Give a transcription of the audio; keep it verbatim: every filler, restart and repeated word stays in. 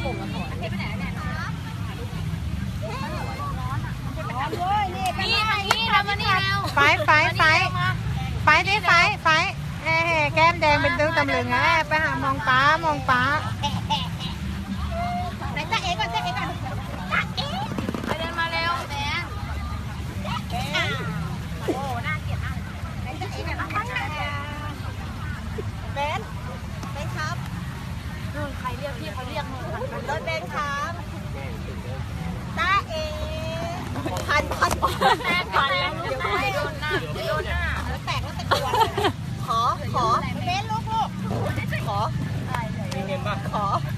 งมาถอนเทไปไหนเนี่ยนี่นี่ทำมานี่แล้วไฟไฟไฟไฟดิไฟไฟเอ้แก้มแดงเป็นตึ้งตำลึงอ่ะไปหามองป้ามองป้าไหนจ้าเอ๋ก่อนจ้าเอ๋ก่อนจ้าเอ๋ไปเดินมาเร็วแมนโอ้น่าเกลียดมากไหนจ้าเอ๋ก่อนแมนแมนครับนู่นใครเรียกพี่เขาเรียกนู่นรถแมนครับจ้าเอ๋พันพันแม่พันแล้วเดี๋ยวโดนหน้าเดี๋ยวโดนหน้าแล้วแตกแล้วตะกัวขอขอเบนลูกลูกขอมีเงินป่ะขอ